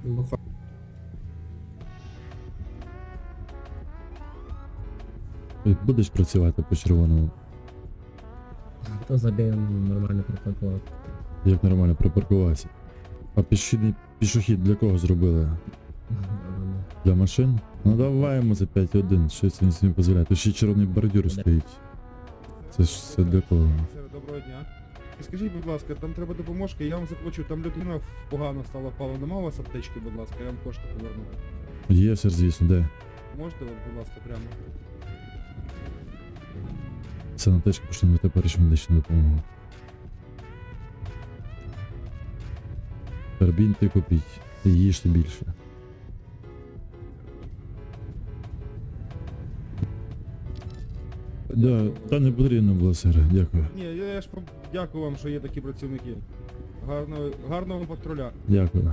Будеш працювати по червоному? То забігаємо нормально припаркувати. Як нормально припаркувався? А пішохід для кого зробили? Для машин? Ну давай йому за 5-1, щось він собі дозволяє. Тут ще червоний бордюр стоїть. Це ж все для кого? Доброго дня. І скажіть, будь ласка, там треба допоможки, я вам заплачу, там людина погано стала впала. Нема у вас аптечки, будь ласка, я вам кошти поверну. Є, сер, звісно, де? Можете, от, будь ласка, прямо? Це на течку, що на теперішню медичну допомогу. Карбінти купіть. І їжте більше. Да, та не потрібно було, сер, дякую. Ні, я ж дякую вам, що є такі працівники. Гарного вам патруля. Дякую.